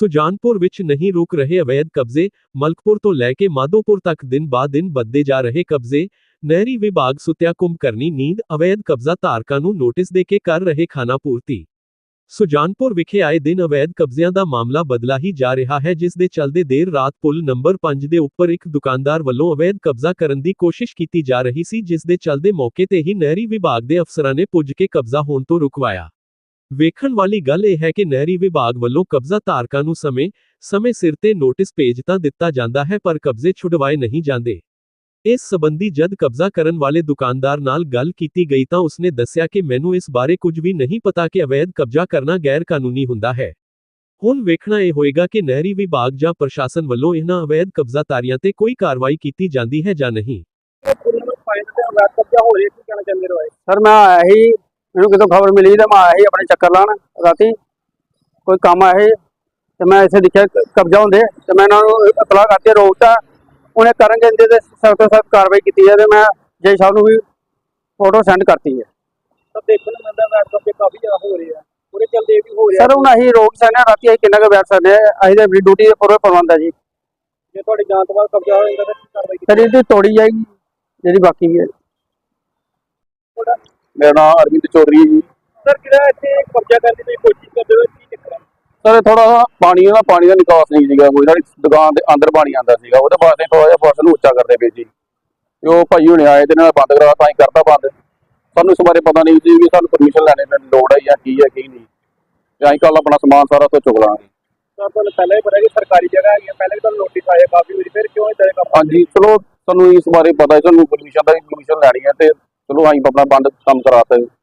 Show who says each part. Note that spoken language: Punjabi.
Speaker 1: ਸੁਜਾਨਪੁਰ ਵਿੱਚ ਨਹੀਂ ਰੁਕ ਰਹੇ ਅਵੈਧ ਕਬਜ਼ੇ। ਮਲਕਪੁਰ ਤੋਂ ਲੈ ਕੇ ਮਾਧੋਪੁਰ ਤੱਕ ਦਿਨ ਬਾਅਦ ਦਿਨ ਵੱਧਦੇ ਜਾ ਰਹੇ ਕਬਜ਼ੇ। ਨਹਿਰੀ ਵਿਭਾਗ ਸੁੱਤਿਆ ਕੁੰਭਕਰਨੀ ਨੀਂਦ। ਅਵੈਧ ਕਬਜ਼ਾ ਧਾਰਕਾਂ ਨੂੰ ਨੋਟਿਸ ਦੇ ਕੇ ਕਰ ਰਹੇ ਖਾਨਾਪੂਰਤੀ। ਸੁਜਾਨਪੁਰ ਵਿਖੇ ਆਏ ਦਿਨ ਅਵੈਧ ਕਬਜ਼ਿਆਂ ਦਾ ਮਾਮਲਾ ਬਦਲਾ ਹੀ ਜਾ ਰਿਹਾ ਹੈ, ਜਿਸ ਦੇ ਚੱਲਦੇ ਦੇਰ ਰਾਤ ਪੁਲ ਨੰਬਰ 5 ਦੇ ਉੱਪਰ ਇੱਕ ਦੁਕਾਨਦਾਰ ਵੱਲੋਂ ਅਵੈਧ ਕਬਜ਼ਾ ਕਰਨ ਦੀ ਕੋਸ਼ਿਸ਼ ਕੀਤੀ ਜਾ ਰਹੀ ਸੀ, ਜਿਸ ਦੇ ਚੱਲਦੇ ਮੌਕੇ ਤੇ ਹੀ ਨਹਿਰੀ ਵਿਭਾਗ ਦੇ ਅਫਸਰਾਂ ਨੇ ਪੁੱਜ ਕੇ ਕਬਜ਼ਾ ਹੋਣ ਤੋਂ ਰੁਕਵਾਇਆ। ਵੇਖਣ ਵਾਲੀ ਗੱਲ ਇਹ ਹੈ ਕਿ ਨਹਿਰੀ ਵਿਭਾਗ ਵੱਲੋਂ ਕਬਜ਼ਾ ਧਾਰਕਾਂ ਨੂੰ ਸਮੇਂ ਸਿਰ ਤੇ ਨੋਟਿਸ ਭੇਜ ਤਾਂ ਦਿੱਤਾ ਜਾਂਦਾ ਹੈ, ਪਰ ਕਬਜ਼ੇ ਛੁਡਵਾਏ ਨਹੀਂ ਜਾਂਦੇ। ਇਸ ਸਬੰਧੀ ਜਦ ਕਬਜ਼ਾ ਕਰਨ ਵਾਲੇ ਦੁਕਾਨਦਾਰ ਨਾਲ ਗੱਲ ਕੀਤੀ ਗਈ ਤਾਂ ਉਸਨੇ ਦੱਸਿਆ ਕਿ ਮੈਨੂੰ ਇਸ ਬਾਰੇ ਕੁਝ ਵੀ ਨਹੀਂ ਪਤਾ ਕਿ ਅਵੈਧ ਕਬਜ਼ਾ ਕਰਨਾ ਗੈਰ ਕਾਨੂੰਨੀ ਹੁੰਦਾ ਹੈ। ਹੁਣ ਵੇਖਣਾ ਇਹ ਹੋਏਗਾ ਕਿ ਨਹਿਰੀ ਵਿਭਾਗ ਜਾਂ ਪ੍ਰਸ਼ਾਸਨ ਵੱਲੋਂ ਇਹਨਾਂ ਅਵੈਧ ਕਬਜ਼ਾਤਾਰੀਆਂ ਤੇ ਕੋਈ ਕਾਰਵਾਈ ਕੀਤੀ ਜਾਂਦੀ ਹੈ ਜਾਂ ਨਹੀਂ।
Speaker 2: ਸਰ ਮੈਂ ਆਇਆ ਹੀ, ਮੈਨੂੰ ਕਿਤੋਂ ਖਬਰ ਮਿਲੀ ਤਾਂ ਮੈਂ ਆਇਆ ਹੀ ਆਪਣੇ ਚੱਕਰ ਲਾਣ ਰਾਤੀ, ਕੋਈ ਕੰਮ ਆਇਆ ਸੀ ਤੇ ਮੈਂ ਇੱਥੇ ਦੇਖਿਆ ਕਬਜ਼ਾ ਹੁੰਦੇ ਤੇ ਮੈਂ ਇਹਨਾਂ ਨੂੰ ਇਤਲਾਹ ਕਰਕੇ ਰੋਕਤਾ। ਉਹਨੇ ਕਰਨ ਕਹਿੰਦੇ ਤੇ ਸਖਤ ਤੋਂ ਸਖਤ ਕਾਰਵਾਈ ਕੀਤੀ ਹੈ ਤੇ ਮੈਂ ਜੈ ਸਾਹਿਬ ਨੂੰ ਵੀ ਫੋਟੋ ਸੈਂਡ ਕਰਤੀ ਹੈ।
Speaker 3: ਤਾਂ ਦੇਖਣ ਨੂੰ ਮਿਲਦਾ ਵੈਟ ਕਬਜ਼ੇ ਕਾਫੀ ਜ਼ਿਆਦਾ ਹੋ ਰਹੇ ਆ, ਉਹਦੇ ਚੱਲਦੇ ਵੀ ਹੋ ਰਿਹਾ।
Speaker 2: ਸਰ ਹੁਣ ਅਸੀਂ ਰੋਕ ਸਕਦੇ ਹਾਂ, ਰਾਤੀ ਅਸੀਂ ਕਿੰਨਾ ਕੁ ਬੈਠ ਸਕਦੇ ਹਾਂ, ਅਸੀਂ ਤਾਂ ਆਪਣੀ ਡਿਊਟੀ ਦੇ ਪੂਰੇ ਪ੍ਰਬੰਧ ਹੈ ਜੀ।
Speaker 3: ਜੇ ਤੁਹਾਡੀ ਜਾਂਚ ਤੋਂ ਬਾਅਦ ਕਬਜ਼ਾ ਹੋ ਜਾਂਦਾ ਤਾਂ ਕੀ ਕਾਰਵਾਈ ਕੀਤੀ?
Speaker 2: ਸਰ ਇਹਦੀ ਤੋੜੀ ਜਾਏਗੀ ਜਿਹੜੀ ਬਾਕੀ ਹੈ।
Speaker 4: ਮੇਰਾ ਨਾਮ ਅਰਵਿੰਦ ਚੌਧਰੀ ਹੈ ਜੀ।
Speaker 3: ਸਰ ਜਿਹੜਾ ਇੱਥੇ ਕਬਜ਼ਾ ਕਰਨ ਦੀ ਕੋਸ਼ਿਸ਼ ਕਰਦੇ ਹੋ ਕੀ ਚੱਕਰ ਹੈ?
Speaker 4: ਸਰ ਥੋੜਾ ਪਾਣੀ ਦਾ ਨਿਕਾਸ ਨਹੀਂ ਸੀਗਾ, ਕੋਈ ਨਾ ਦੁਕਾਨ ਦੇ ਅੰਦਰ ਪਾਣੀ ਆਉਂਦਾ ਸੀਗਾ, ਉਹਦੇ ਵਾਸਤੇ ਥੋੜਾ ਜਿਹਾ ਫਸਲ ਨੂੰ ਉੱਚਾ ਕਰਦੇ ਪਏ ਸੀ। ਤੇ ਉਹ ਭਾਈ ਹੁਣੇ ਆਏ ਤੇ ਨਾਲ ਬੰਦ ਕਰਾ ਤਾਂ ਹੀ ਕਰਤਾ ਬੰਦ। ਸਾਨੂੰ ਇਸ ਬਾਰੇ ਪਤਾ ਨਹੀਂ ਸੀ ਕਿ ਸਾਨੂੰ ਪਰਮਿਸ਼ਨ ਲੈਣੇ ਦੀ ਲੋੜ ਹੈ ਜਾਂ ਕੀ ਨਹੀਂ। ਤੇ ਅਸੀਂ ਕੱਲ ਆਪਣਾ ਸਮਾਨ ਸਾਰਾ ਤੋਂ ਚੁੱਕ ਲਾਂਗੇ।
Speaker 3: ਸਰ ਤੁਹਾਨੂੰ ਪਹਿਲਾਂ ਹੀ ਪਤਾ ਕਿ ਸਰਕਾਰੀ ਜਗ੍ਹਾ ਹੈਗੀ, ਪਹਿਲਾਂ ਵੀ ਤੁਹਾਨੂੰ ਨੋਟਿਸ ਆਏ ਕਾਫੀ ਵਾਰੀ, ਫਿਰ ਕਿਉਂ ਇਦਾਂ ਦੇ ਕੰਮ?
Speaker 4: ਹਾਂਜੀ ਚਲੋ ਸਾਨੂੰ ਇਸ ਬਾਰੇ ਪਤਾ ਹੈ, ਸਾਨੂੰ ਪਰਮਿਸ਼ਨ ਲੈਣੀ ਹੈ ਤੇ ਚਲੋ ਅਸੀਂ ਆਪਣਾ ਬੰਦ ਕੰਮ ਕਰਾ ਸਕਦੇ।